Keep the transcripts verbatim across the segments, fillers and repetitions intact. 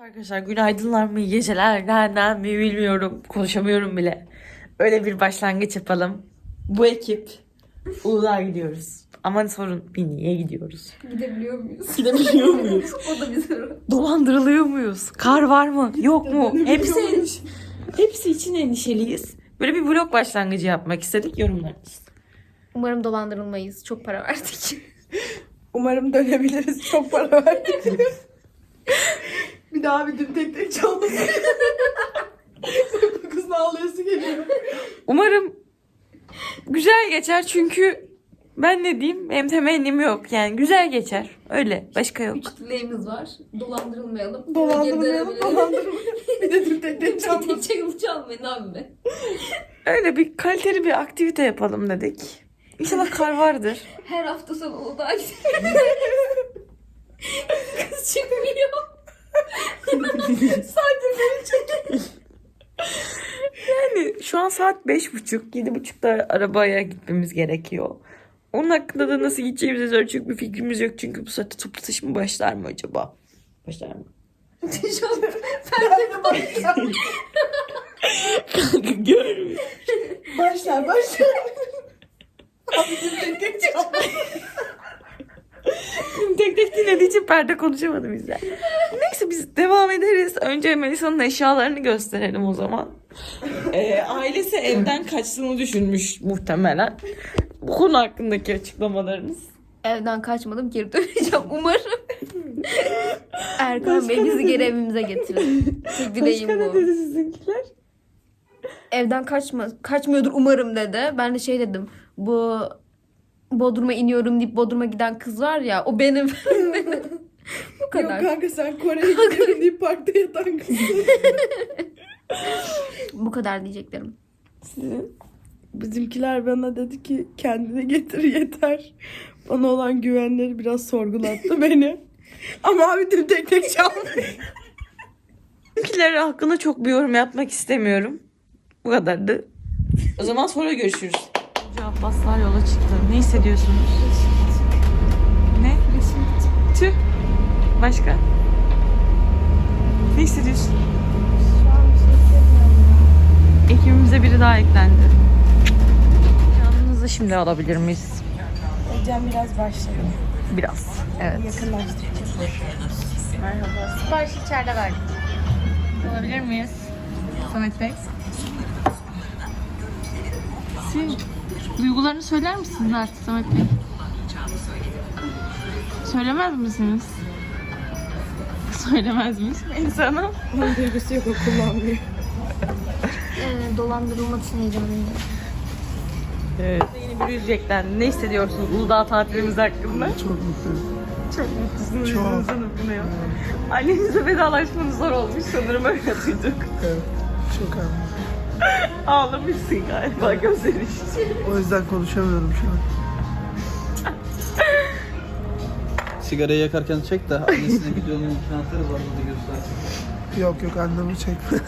Arkadaşlar günaydınlar mı, iyi geceler, nereden mi bilmiyorum. Konuşamıyorum bile. Öyle bir başlangıç yapalım. Bu ekip Uludağ'a gidiyoruz. Ama sorun bir niye gidiyoruz? Gidebiliyor muyuz? Gidebiliyor muyuz? O da bir soru. Dolandırılıyor muyuz? Kar var mı? Yok mu? Hepsi endişe. Hepsi için endişeliyiz. Böyle bir vlog başlangıcı yapmak istedik. Yorumlarınız. Umarım dolandırılmayız. Çok para verdik. Umarım dönebiliriz. Çok para verdik. Bir daha bir dün tek tek çalmasın. Bu kızın ağlayası geliyor. Umarım güzel geçer çünkü ben ne diyeyim, hem temennim yok. Yani güzel geçer. Öyle. Başka yok. Üç dileğimiz var. Dolandırılmayalım. Dolandırmayalım, dolandırmayalım. Bir de dün tek tek Tek çalmasın. tek çalmayın abi be. Öyle bir kaliteli bir aktivite yapalım dedik. İnşallah kar vardır. Her hafta sonu Uludağ'a gidelim. Kız çıkmıyor. Sadece beni çekiyor. Yani şu an saat beş buçuk, yedi buçukta arabaya gitmemiz gerekiyor. Onun hakkında da nasıl gideceğimize dair çok bir fikrimiz yok. Çünkü bu saatte toplu taşıma başlar mı acaba? Başlar mı? Şu an perde bakıyor. Kanka görmüyor. Başlar başlar. Abi dün tek tek çalmasın. Tek tek dinlediği için perde konuşamadı bizler. Neyse biz devam ederiz. Önce Melisa'nın eşyalarını gösterelim o zaman. Ee, ailesi evden kaçtığını düşünmüş muhtemelen. Bu konu hakkındaki açıklamalarınız. Evden kaçmadım, geri döneceğim umarım. Erkan Bey bizi geri evimize getirir. Tek dileğim Başka ne bu. dedi sizinkiler? Evden kaçma, kaçmıyordur umarım dedi. Ben de şey dedim. Bu Bodrum'a iniyorum deyip Bodrum'a giden kız var ya, o benim. Bu kadar. Yok kanka sen Kore'ye gidiyorum deyip parkta yatan kızsın. Bu kadar diyeceklerim. Sizin? Bizimkiler bana dedi ki kendini getir yeter. Bana olan güvenleri biraz sorgulattı beni. Ama abi dün tek tek çaldı. Bizimkiler hakkında çok bir yorum yapmak istemiyorum. Bu kadardı. O zaman sonra görüşürüz. Önce Abbaslar yola çıktı. Ne hissediyorsunuz? Ne? Tüh. Başka? Ne hissediyorsun? Şu an bir şey hissetmiyorum ya. Ekibimize biri daha eklendi. Canınızı şimdi alabilir miyiz? Cem biraz başlıyor. Biraz. Evet. Yakınlaştıracağız. Merhaba. Sipariş içeride verdik. Alabilir miyiz? Samet Bey. Siz duygularını söyler misiniz artık Samet Bey? Söylemez misiniz? Söylemez miyiz? İnsanım. Onun duygusu yok, o kullanmıyor. Ee, dolandırılmak için heyecanlıyım. Evet. Yeni bir yüz eklendi. Ne hissediyorsunuz Uludağ tatilimiz hakkında? Çok mutluyum. Çok mutlusunuz. Çok. Yüzünüzden okunuyor. Annenize vedalaşmanız zor olmuş sanırım, öyle duyduk. Evet. Çok önemli. Ağlamışsın galiba gözlerin için. O yüzden konuşamıyorum şu an. Sigarayı yakarken çek de annesine videonun içine atarız, anladı göstersin. Yok yok annemi çekme.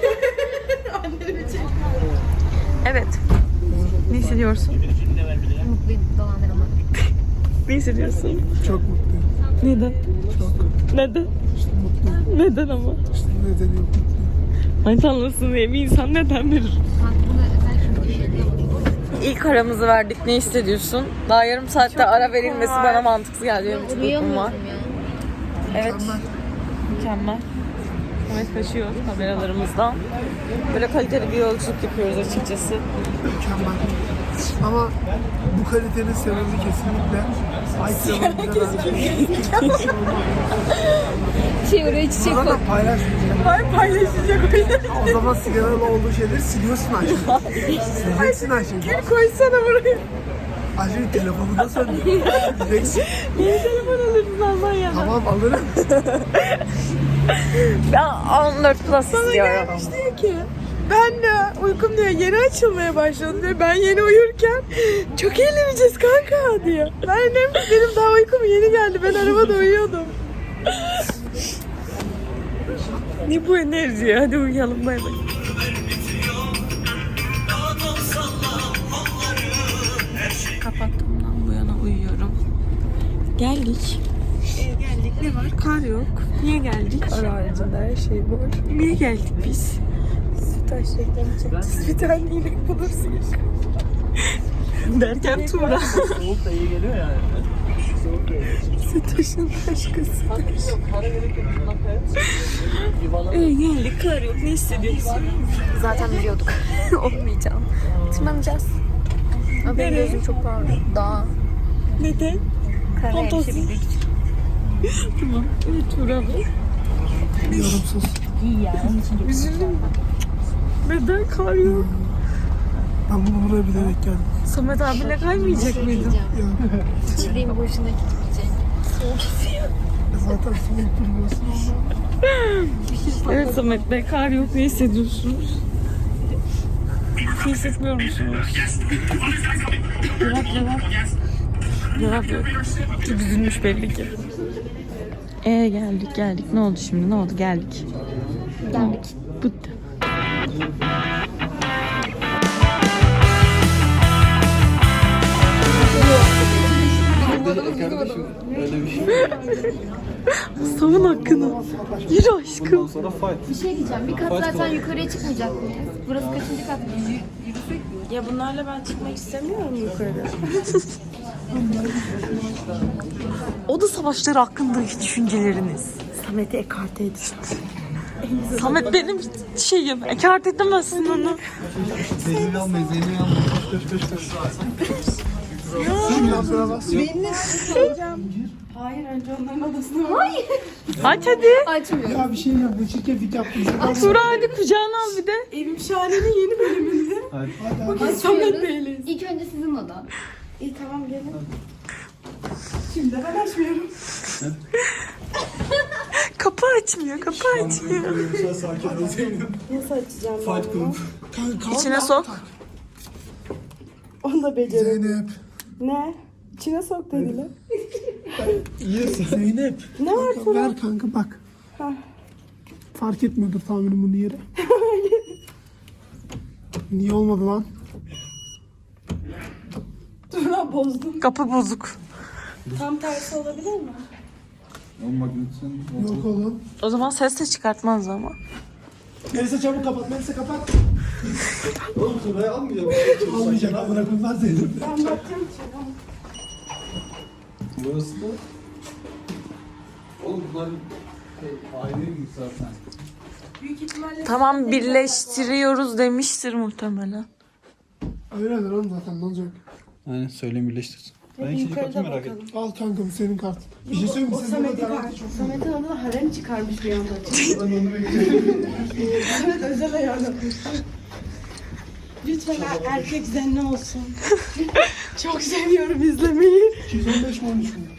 Evet. Ne hissediyorsun? Mutluyum dolandırılmak. Ne hissediyorsun? Çok mutluyum. Neden? Çok. Neden? İşte mutluyum. Neden ama? İşte nedeni yok mutluyum. Manitanlısın diye bir insan neden verir? Bak bunu özellikle bir şey yapıyorum. İlk aramızı verdik. Ne hissediyorsun? Daha yarım saatte ara verilmesi bana mantıksız geldi. Benim çok uykum var. Uyuyamıyorum ya. Evet. Mükemmel. Evet, kaçıyor kameralarımızdan. Böyle kaliteli bir yolculuk yapıyoruz açıkçası. Mükemmel. Ama bu kalitenin sebebi kesinlikle Ayça'nın Şey oraya çiçek Bana koy. da paylaşmayacağım. Hayır, paylaşacak o yüzden. O zaman sigaralı olduğu şeyleri siliyorsun Ayşe. Sileceksin Ayşe. Koysana buraya. Ayşe telefonu da söndür. Sileceksin. Niye telefon alırdın Allah ya? Tamam alırım. Ben on dört plus istiyorum. Diyor ki ben de uykum diyor yeni açılmaya başladı diyor. Ben yeni uyurken çok eğleneceğiz kanka diyor. Ben de benim daha uykum yeni geldi. Ben arabada uyuyordum. Ne bu enerji ya? Hadi uyuyalım, bay bay. Kapattığımdan bu yana uyuyorum. Geldik. Ee, geldik. Ne var? Kar yok. Niye geldik? Ara haricinde her şey var. Niye geldik biz? Sütaş reklamı çekeceğiz. Bir tane inek bulursunuz. Derken Tuğra. Soğuk da iyi geliyor yani. Soğuk geliyor. Sütaş'ın aşkısı. Para gerek yok. Şundan kayar mısın? Yuvarlan. Ee, geldik kar yok. Ne hissediyorsun? Zaten biliyorduk. Olmayacağım. Tırmanacağız. Ama benim Nereye? gözüm çok ağrıyor. Dağ. Neden? Karaya Fantezi. yetişebildik. Tamam. Evet Tuğra bu. Yorumsuz. İyi ya. Onun için çok Üzüldüm. Neden kar yok? Ben bunu buraya bilerek geldim. Samet abiyle kaymayacak mıydın? İçindeyim boşuna gitmeyecek. Zaten soğuk durmuyorsun. Evet Samet Bey, kar yok. Ne hissediyorsunuz? Bir şey hissetmiyor musunuz? Cevap cevap. Cevap yok. Çok üzülmüş belli ki. Ee geldik geldik. Ne oldu şimdi? Ne oldu? Geldik. Geldik. Bitti. Kardeşim öyle bir şey. Savun hakkını. Yürü aşkım. Bundan sonra fight. Bir şey diyeceğim. Bir kat Fight zaten var. yukarıya çıkmayacak mıyız? Burası kaçıncı kat? Ya bunlarla ben çıkmak istemiyorum yukarı. Oda savaşları hakkındaki düşünceleriniz. Samet'i ekarte edeceğim. Samet benim şeyim. Ekart edemezsin onu. Zeynep almayın, Zeynep almayın. Koş koş koş koş. Benimle çıkacağım. Hayır önce onların odasına var. Aç hadi. Açmıyor. Ya bir şey yap. Bu çirkeflik yaptım. Tuğra hadi kucağına al bir de. Evim Şahane'nin yeni bölümünde. Hadi. Samet Bey'leyiz. İlk önce sizin oda. İyi tamam gelin. Şimdi de ben açmıyorum. Kapı açmıyor, kapı açmıyor. Sakin ol Zeynep. Nasıl açacağım Fight ben bunu? Club. İçine sok. Onu da becerelim. Zeynep. Ne? İçine sok dediler. Zeynep. Ne var Kanka, Turan? ver kanka bak. Ha. Fark etmiyordur tahminim bunu yeri. Niye olmadı lan? Turan bozdum. Kapı bozuk. Tam tersi olabilir mi? O magnetin. Yok oğlum. O zaman ses de çıkartmaz ama. Melisa çabuk kapat. Melisa kapat. Oğlum Tuna'yı almayacağım. Almayacak amına koyayım lan Zeynep. Ben bakacağım içeri. Burası da... Oğlum bunlar şey, ayrıymış zaten. Büyük ihtimalle... Tamam birleştiriyoruz demiştir muhtemelen. Öyledir oğlum zaten ne olacak? Aynen söyleyeyim birleştirsin. Ben ikinci katı merak ettim. Al kanka bu senin kartın. Bir şey söyleyeyim mi? O Senin Samet'in kartı kartı. çok Samet'in adına harem çıkarmış bir anda. Ben onu bekliyorum. Samet özel ayarlamış. Lütfen er- erkek zenni olsun. Çok seviyorum izlemeyi. iki yüz on beş mi on üç mü?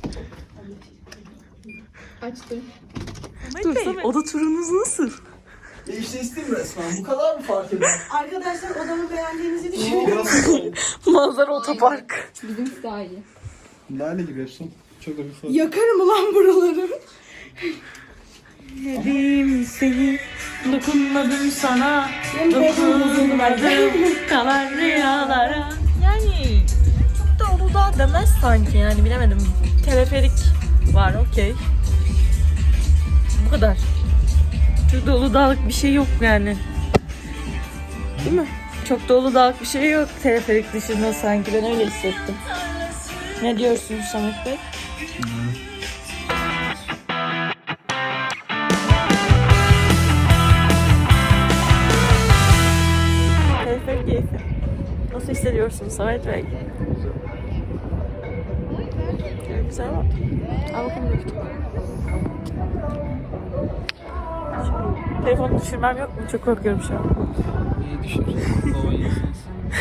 Açtım. Dur Samet. Oda turunuz nasıl? Değiştiğim resmen. Bu kadar mı fark eder? Arkadaşlar odamı beğendiğinizi düşünüyorum. Manzara otopark. Bizimki daha iyi. Lale gibi Efsun. Çok da bir fark. Yakarım ulan buraları. Yedim seni, dokunmadım sana, dokunmadım kalan rüyalara. Yani çok da Uludağ demez sanki yani bilemedim. Teleferik var okey. Bu kadar. Çok da Uludağ'lık bir şey yok yani. Değil mi? Çok da Uludağ'lık bir şey yok teleferik dışında sanki ben öyle hissettim. Ne diyorsunuz Samet Bey? Teleferik keyfi. Nasıl hissediyorsunuz Samet Bey? Güzel, güzel mi? Al bakayım bir tutalım. Telefonu düşürmem yok mu? Çok korkuyorum şu an. İyi düşün. Baba iyisiniz.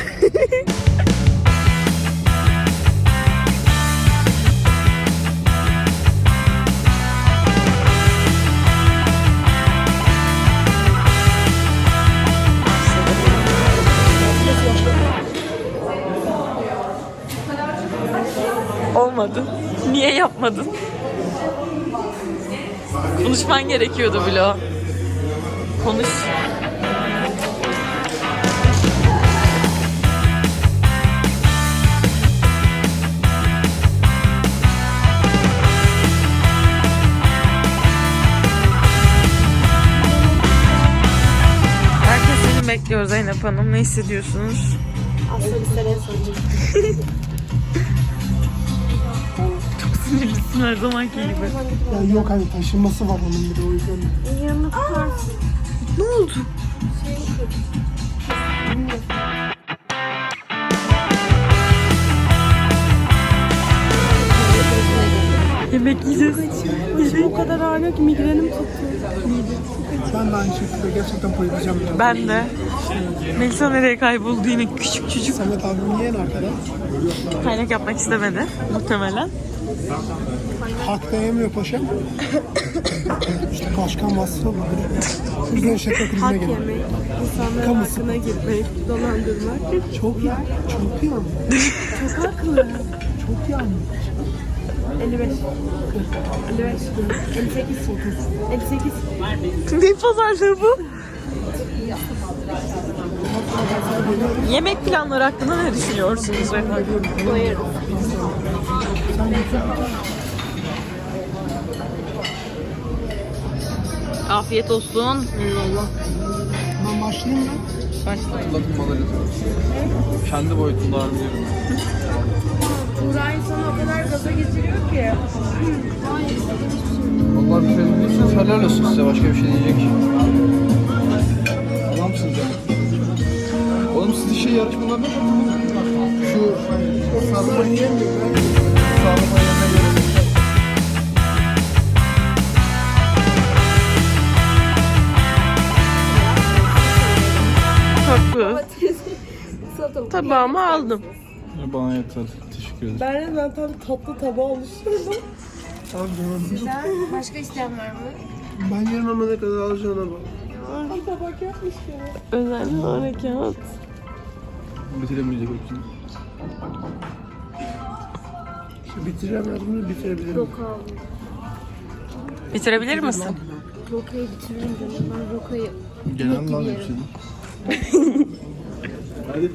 Olmadı. Niye yapmadın? Konuşman gerekiyordu Bilo. Konuş. bekliyor Zeynep Hanım. Ne hissediyorsunuz? Aslında bir sene sonra. Çok sinirlisin her zamanki gibi. Ya yok hani taşınması var onun bir de o yüzden. Yanına tutarsın. Ne oldu? Yemek yiyeceğiz. Başım o kadar ağrıyor ki migrenim tuttu. Ben de aynı şekilde gerçekten bayılacağım ya. Ben de. Melisa nereye kayboldu yine küçük çocuk. Samet abim yiyen arkada. Kaynak yapmak istemedi muhtemelen. Hakta yemiyor paşam. İşte başkan vasfı var. Bir gün şaka krizine Hak geliyor. yemek, insanların Kamusu. hakkına girmek, dolandırmak. Çok ya. Çok ya. Çok haklı. Çok yani. elli beş. elli beş. elli sekiz. elli sekiz. Ne pazarlığı bu? Yemek planları hakkında ne düşünüyorsunuz efendim? Afiyet olsun. Eyvallah. Ben başlayayım mı? Hatırlatmaları. Kendi boyutunda harcıyorum. Buğra insanı o kadar gaza getiriyor ki. Vallahi bir şey değilsiniz. Helal olsun size. Başka bir şey diyecek. Adamsınız ya. Oğlum siz işe yarışmalarında şu sarma yiyemiyor. Sarma yemeye gerek yok. Haklı. Tabağımı aldım. Bana yeter. Teşekkür ederim. Ben de ben tam tatlı tabağı oluşturdum. Tamam canım. Başka isteyen var mı? Ben yerim ama ne kadar alacağına bak. Bir tabak yapmış gibi. Özel harekat. Bitiremeyecek hepsini. İşte bitireceğim ya bunu bitirebilirim. Bitirebilir misin? Rokayı bitiririm canım. Ben rokayı Genel lan yerim. hepsini. Hadi.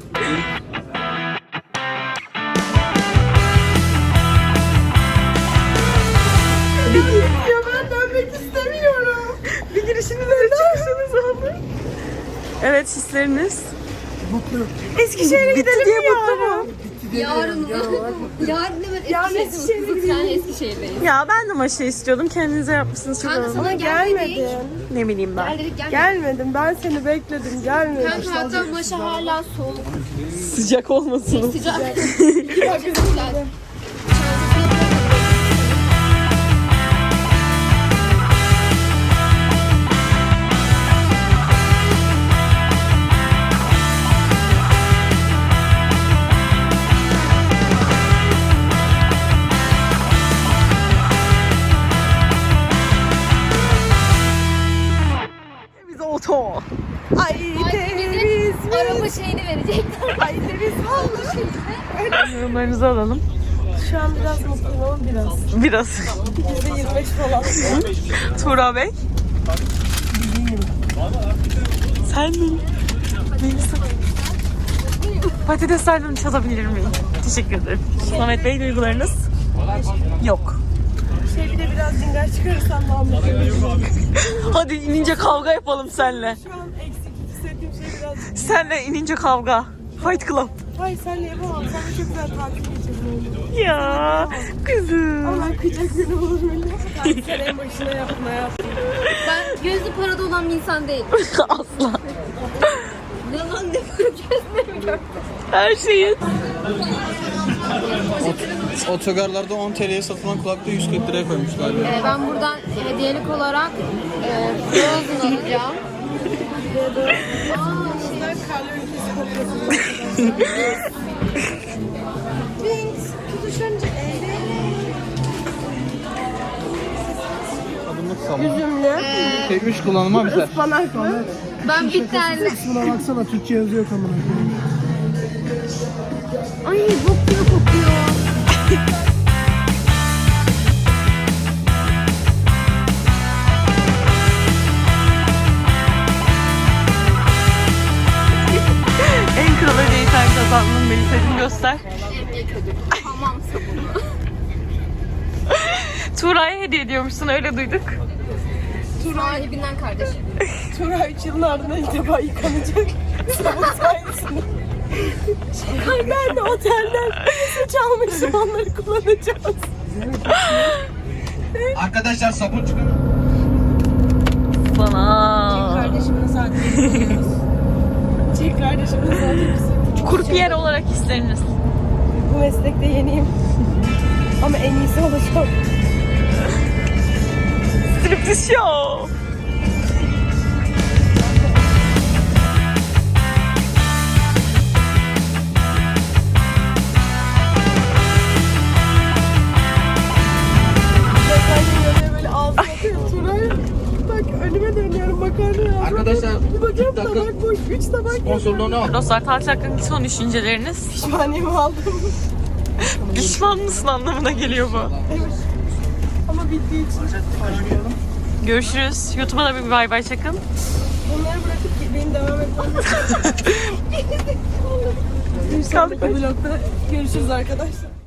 Ya ben dönmek istemiyorum. Bir girişinizden çıksanız abi. Evet hisleriniz. Mutlu. Eskişehir'e Bitti gidelim diye mi mutlu yarın? mu? Yarın mı? Yarın hemen Yarın Eskişehir'de Eskişehir'e mutlu. Yani Eskişehir'deyiz. Ya ben de maşa istiyordum. Kendinize yapmışsınız. Çok Kanka oldu. sana gelmedik. Gelmedin. Ne bileyim ben. Gel dedik gelmedik. Gelmedim. Ben seni bekledim. Gelmedin. Kanka hatta maşa hala soğuk. Sıcak olmasın. Sıcak. Çok güzel. Biz oto. Ay deniz. Araba şeyini verecekler. Ay deniz vallahi. Yorumlarınızı alalım. Şu an biraz mutluyum ama biraz. Biraz. yüzde yirmi beş falan. Tuğra Bey. Sen mi? Melisa. Patateslerden çalabilir miyim? Teşekkür ederim. Samet Bey duygularınız? Yok. Şey bir de biraz dinler çıkarırsam daha mutluyum. Hadi inince kavga yapalım senle. Şu an eksik hissettiğim şey biraz. Senle inince kavga. Fight Club. Hayır senle yapamam. Sen de çok güzel takip edeceğim. Ya kızım. Ama ben kıyacak günü olur mu? Sen en başına yapma ya. Ben gözü parada olan bir insan değilim. Asla. Ne lan ne para gözüne mi gördün? Her şeyin. Otogarlarda on T L'ye satılan kulaklığı yüz kırk liraya koymuşlar. Ee, ben buradan hediyelik olarak e, Frozen alacağım. Bunlar kalori kesip atıyorsun. Wings. Tutuşunca eğlenin. Adımlık sabun. Üzümlü. Tekmiş kullanıma biter. Ispanaklı. Ben bir tane... Kısmına baksana Türkçe yazıyor kamera. Ay bok gibi kokuyor. En kral hediyeyi sen kazandın Melisa'cığım, göster. Hamam sabunu. Tuğra'ya hediye ediyormuşsun, öyle duyduk. Sahibinden kardeşim. Turay üç yılın ardından ilk defa yıkanacak. Sabun sayesinde. Ben de otelden su çalmışım, onları kullanacağız. Arkadaşlar sabun çıkarın. Sana. Kardeşimin zaten Çek kardeşimin zaten Kurpiyer olarak isteriniz. Bu meslekte yeniyim. Ama en iyisi olacağım. Striptiz show. Ben böyle ağzıma atıyorum Turay. Bak önüme dönüyorum makarna ya. Arkadaşlar Bir bakıyorum kırk dakika tabak boş. Üç tabak sponsorluğunu al. Dostlar tatil hakkındaki son düşünceleriniz. pişmaniyemi aldım. Pişman mısın anlamına geliyor bu. Evet. Ama bittiği için. Görüşürüz. YouTube'a da bir bay bay çakın. Bunları bırakıp ki benim devam etmem lazım. Bir sonraki vlogda görüşürüz arkadaşlar.